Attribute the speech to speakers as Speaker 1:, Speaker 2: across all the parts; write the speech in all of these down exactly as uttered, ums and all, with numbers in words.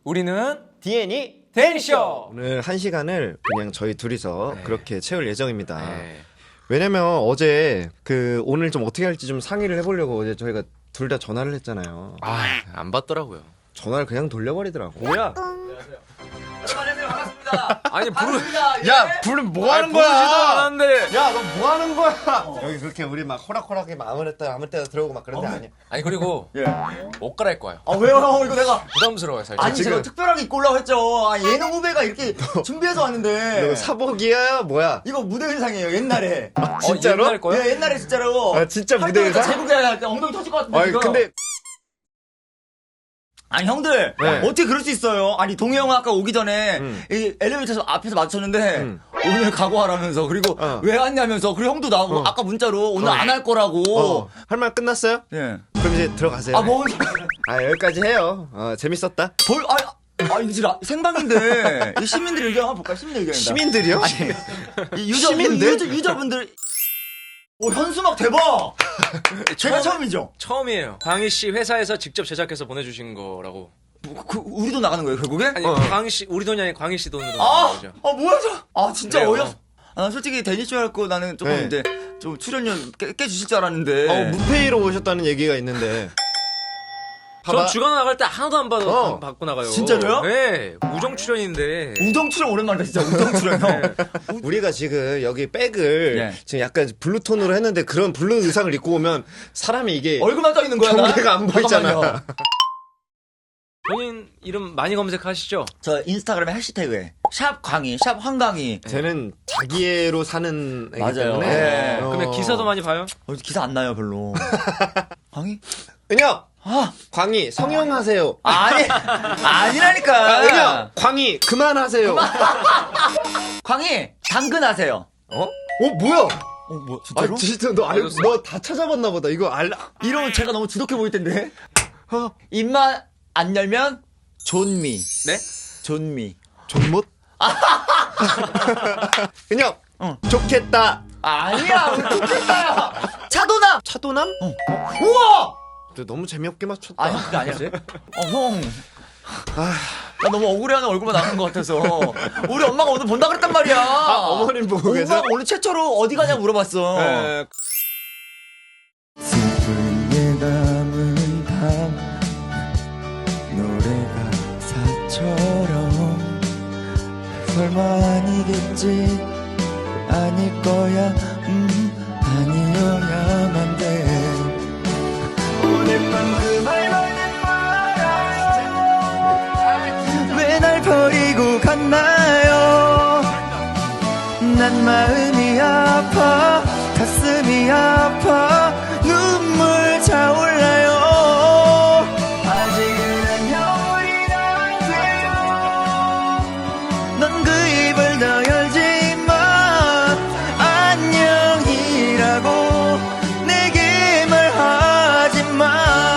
Speaker 1: 우리는
Speaker 2: 디엔이
Speaker 1: 데니쇼.
Speaker 2: 오늘 한 시간을 그냥 저희 둘이서
Speaker 1: 네.
Speaker 2: 그렇게 채울 예정입니다.
Speaker 1: 네.
Speaker 2: 왜냐면 어제 그 오늘 좀 어떻게 할지 좀 상의를 해보려고 어제 저희가 둘 다 전화를 했잖아요.
Speaker 1: 아, 안 받더라고요.
Speaker 2: 전화를 그냥 돌려버리더라고.
Speaker 1: 뭐야?
Speaker 3: 안녕하세요, 반갑습니다.
Speaker 1: 아니 부르
Speaker 2: 야, 부르면 뭐 하는 거야?
Speaker 1: 부르지도 않았는데.
Speaker 2: 야, 너 뭐 하는 거야? 여기 그렇게 우리 막 호락호락하게 막 아무 데나 아무 때나 들어오고 막 그런 데 아니야.
Speaker 1: 아니 그리고
Speaker 3: 예.
Speaker 1: 옷 갈아입고 와요.
Speaker 3: 아 왜요? 이거 내가
Speaker 1: 부담스러워요 살짝.
Speaker 3: 아니 제가 특별하게 입고 올라고 했죠. 아, 예능 후배가 이렇게 준비해서 왔는데
Speaker 2: 너 사복이야? 뭐야?
Speaker 3: 이거 무대 의상이에요. 옛날에.
Speaker 1: 어,
Speaker 2: 진짜로?
Speaker 1: 옛날 거야?
Speaker 3: 예, 옛날에 진짜로.
Speaker 2: 아, 진짜 무대
Speaker 3: 활동할 때
Speaker 2: 의상?
Speaker 3: 제국에 할때 엉덩이 터질 것 같은데.
Speaker 2: 아니
Speaker 3: 지금.
Speaker 2: 근데
Speaker 3: 아니 형들
Speaker 2: 네.
Speaker 3: 어떻게 그럴 수 있어요? 아니 동해 형 아까 오기 전에
Speaker 2: 음.
Speaker 3: 이 엘리베이터에서 앞에서 마주쳤는데
Speaker 2: 음.
Speaker 3: 오늘 각오하라면서 그리고
Speaker 2: 어.
Speaker 3: 왜 왔냐면서 그리고 형도 나오고
Speaker 2: 어.
Speaker 3: 아까 문자로 오늘
Speaker 2: 어.
Speaker 3: 안 할 거라고.
Speaker 2: 어, 할 말 끝났어요?
Speaker 3: 예.
Speaker 2: 그럼 이제 들어가세요.
Speaker 3: 아 뭐?
Speaker 2: 아, 여기까지 해요. 어, 재밌었다.
Speaker 3: 볼 아. 아, 이거 진짜 생방인데 이 시민들 의견 한번 볼까요? 시민들 의견.
Speaker 2: 시민들이요?
Speaker 3: 이 유저,
Speaker 2: 시민들?
Speaker 3: 유저, 유저분들. 오, 현수막 대박! 제가 처음이죠?
Speaker 1: 처음이에요. 광희 씨 회사에서 직접 제작해서 보내주신 거라고.
Speaker 3: 뭐, 그, 우리도 나가는 거예요, 결국에?
Speaker 1: 아니
Speaker 2: 어.
Speaker 1: 광희 씨 우리 돈이 아니라 광희 씨 돈으로
Speaker 3: 아!
Speaker 1: 나온 거죠.
Speaker 3: 아, 뭐야, 저. 아, 진짜
Speaker 1: 그래요.
Speaker 3: 어이없. 아, 솔직히 데니쇼 할 거 나는 조금
Speaker 2: 네.
Speaker 3: 이제 좀 출연료 깨, 깨주실 줄 알았는데.
Speaker 2: 어, 무페이로 오셨다는 얘기가 있는데.
Speaker 1: 전 주간 나갈 때 하나도 안 받아
Speaker 2: 어.
Speaker 1: 안 받고 나가요.
Speaker 3: 진짜로요?
Speaker 1: 네, 우정 출연인데.
Speaker 3: 우정 출연 오랜만이다, 진짜. 우정 출연, 형.
Speaker 2: 우리가 지금 여기 백을
Speaker 3: 예.
Speaker 2: 지금 약간 블루톤으로 했는데 그런 블루 의상을 입고 오면 사람이 이게
Speaker 3: 얼굴만 떠 있는 거야, 나?
Speaker 2: 경계가 안 보이잖아.
Speaker 3: 잠깐만요.
Speaker 1: 본인 이름 많이 검색하시죠?
Speaker 3: 저 인스타그램에 해시태그에 샵 광희, 샵 황광희.
Speaker 2: 쟤는 자기애로 사는 애기
Speaker 3: 맞아요.
Speaker 2: 때문에.
Speaker 3: 네.
Speaker 2: 어.
Speaker 1: 그러면 기사도 많이 봐요?
Speaker 3: 어, 기사 안 나요, 별로. 광희?
Speaker 2: 은혁!
Speaker 3: 아,
Speaker 2: 광희, 성형하세요.
Speaker 3: 아니, 아니라니까.
Speaker 2: 아, 은혁! 광희, 그만하세요.
Speaker 3: 광희, 당근하세요.
Speaker 2: 어? 어, 뭐야?
Speaker 3: 어, 뭐, 진짜로?
Speaker 2: 아, 진짜 너 알,
Speaker 1: 맞았어.
Speaker 2: 너 다 찾아봤나 보다. 이거 알,
Speaker 3: 이러면 제가 너무 지독해 보일 텐데. 어, 입만 안 열면 존미.
Speaker 1: 네?
Speaker 3: 존미.
Speaker 2: 존못? 은혁!
Speaker 3: 어.
Speaker 2: 좋겠다.
Speaker 3: 아니야, 우리 좋겠다. 차도남.
Speaker 2: 차도남?
Speaker 3: 우와.
Speaker 2: 너 너무 재미없게 맞췄다.
Speaker 3: 아니, 그게 아니었어요? 어, 형. 나 너무 억울해하는 얼굴만 나오는 것 같아서. 우리 엄마가 오늘 본다 그랬단 말이야.
Speaker 2: 아, 어머님 보고 계세요?
Speaker 3: 엄마가 오늘 최초로 어디 가냐고 물어봤어.
Speaker 2: 에,
Speaker 3: 슬픈 예감은 밤 노래가 사처럼 설마 아니겠지 아닐 거야 음 아니어야만 돼 오늘 밤 그 말만은 말아요 왜 날 버리고 갔나요 난 마음이 아파 가슴이 아파 눈물 차올라요 아직은 안녕이 안 돼요 넌 그 입을 더 열지마 안녕이라고 내게 말하지마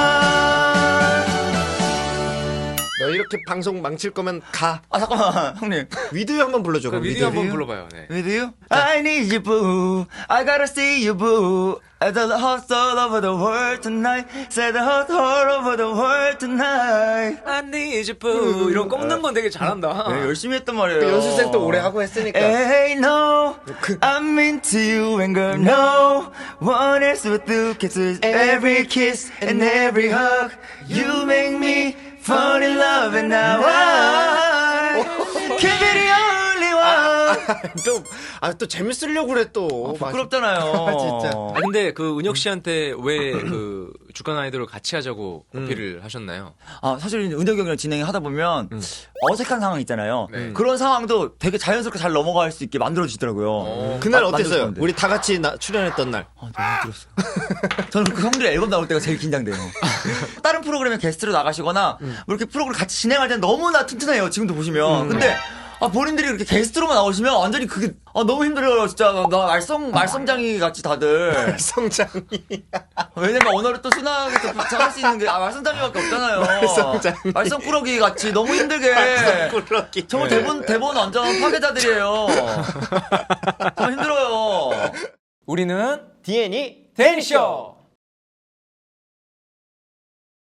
Speaker 2: 너 이렇게 방송 망칠 거면 가.
Speaker 3: 아 잠깐만 형님
Speaker 2: 위드유 한번 불러줘.
Speaker 1: 그
Speaker 2: 그럼
Speaker 1: 미디어 한번
Speaker 2: 위드유.
Speaker 1: 불러봐요. 네.
Speaker 3: With you? I need you, boo. I gotta see you, boo. I the heart all over the world tonight. Say the heart all over the world tonight.
Speaker 1: I need you, boo. 이런 꺾는 건 되게 잘한다.
Speaker 3: 네, 열심히 했단 말이에요.
Speaker 2: 그 연습생도 오래 하고 했으니까.
Speaker 3: Hey, no. I'm into you and girl, no. One else with you. Kisses every kiss and every hug. You make me fall in love and now I can be the only one.
Speaker 2: 또, 아, 또 재밌으려고 그래, 또.
Speaker 3: 부끄럽잖아요.
Speaker 2: 아, 진짜.
Speaker 1: 아 근데 그 은혁 씨한테 왜 그 주간 아이돌을 같이 하자고 어필을 하셨나요?
Speaker 3: 아, 사실 은혁이 형이랑 진행하다 보면 어색한 상황 있잖아요.
Speaker 1: 네.
Speaker 3: 그런 상황도 되게 자연스럽게 잘 넘어갈 수 있게 만들어지더라고요.
Speaker 1: 어.
Speaker 2: 그날
Speaker 3: 마-
Speaker 2: 어땠어요?
Speaker 3: 만들었는데.
Speaker 2: 우리 다 같이 나, 출연했던 날.
Speaker 3: 아, 너무 힘들었어요. 저는 그 형들의 앨범 나올 때가 제일 긴장돼요. 다른 프로그램에 게스트로 나가시거나 뭐 이렇게 프로그램 같이 진행할 때는 너무나 튼튼해요. 지금도 보시면. 근데 아, 본인들이 이렇게 게스트로만 나오시면 완전히 그게 아, 너무 힘들어요. 진짜 나 말썽 말썽장이 같이 다들.
Speaker 2: 성장이.
Speaker 3: 왜냐면 언어를 또 순하게 또 부착할 수 있는 게 아, 말썽장이밖에 없잖아요.
Speaker 2: 말썽장이.
Speaker 3: 말썽꾸러기 같이 너무 힘들게.
Speaker 2: 말썽꾸러기.
Speaker 3: 정말 대본 대본 완전 파괴자들이에요. 정말 힘들어요.
Speaker 1: 우리는
Speaker 2: 디엔이
Speaker 1: 데니쇼.